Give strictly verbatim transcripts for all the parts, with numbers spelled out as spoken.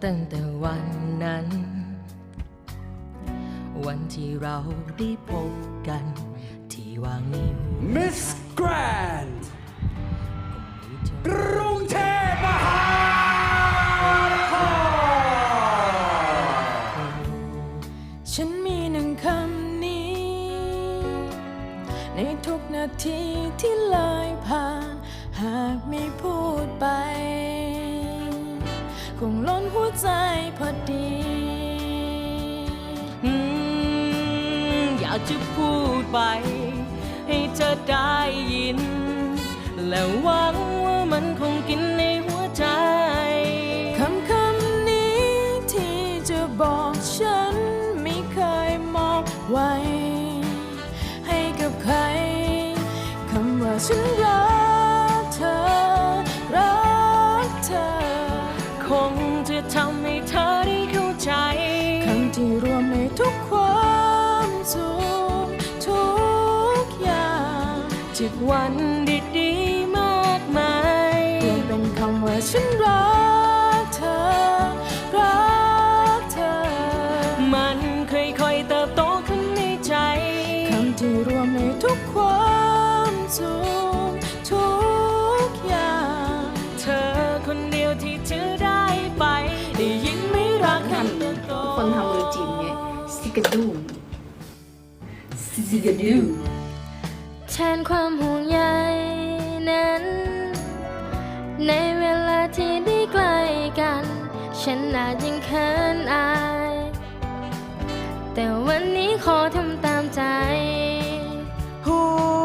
ตั้งแต่วันนั้นวันที่เราได้พบกันที่วางนิ้ว Miss Grand กรุงเทพมหานครฉันมีหนึ่งคำนี้ในทุกนาทีที่เลยผ่านหากไม่พูดไปคงล้นหัวใจพอดีอยากจะพูดไปให้เธอได้ยินและหวังว่ามันคงกินในหัวใจคำคำนี้ที่จะบอกฉันไม่เคยมองไว้ให้กับใครคำว่าฉันรักเธอรักเธอคงจะทำให้เธอได้เข้าใจคำที่รวมในทุกความสุขทุกอย่างจากวันดีๆมากมายรวมเป็นคำว่าฉันรักเธอรักเธอมันค่อยๆเติบโตขึ้นในใจคำที่รวมในทุกความสุขทุกอย่างเธอคนเดียวที่จะได้ไปได้ยินไม่รักคำตัวโตคนทำมือจีบไงซิกาดูซิกาดูแทนความห่วงใยนั้นในเวลาที่ได้ใกล้กันฉันอาจยังเขินอายแต่วันนี้ขอทำตามใจหู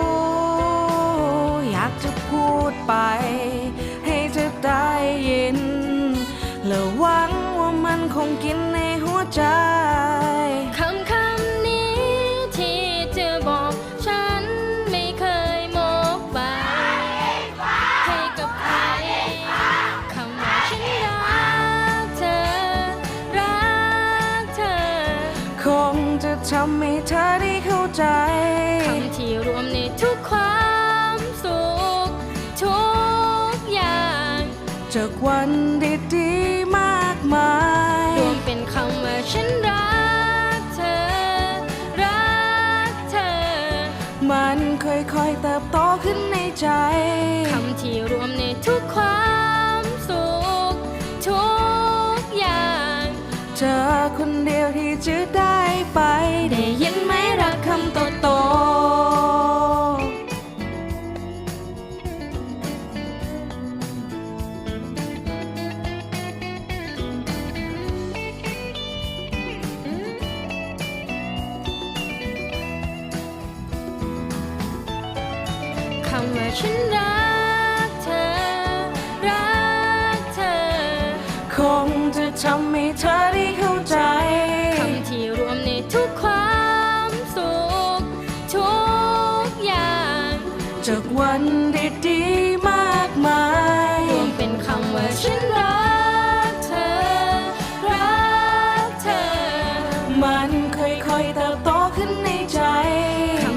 อยากจะพูดไปให้เธอได้ยินและหวังว่ามันคงกินในหัวใจคำคำนี้ที่เธอบอกฉันไม่เคยมองไปให้กับใครคำว่าฉันรักเธอรักเธอคงจะทำให้เธอได้เข้าใจคำที่รวมในทุกความสุขทุกอย่างจากวันดีๆมากมายรวมเป็นคำว่าฉันรักเธอรักเธอมันค่อยๆเติบโตขึ้นในใจคำที่รวมในทุกความสุขทุกอย่างเธอคนเดียวที่จะได้ไปได้ยินไหมรักคำโตโตคำว่าฉันรักเธอรักเธอคงจะทำให้เธอได้เข้าใจคำที่รวมในทุกความสุขทุกอย่างจากวันดีๆมากมายรวมเป็นคำว่าฉันรักเธอรักเธอมันค่อยๆเติบโตขึ้นในใจค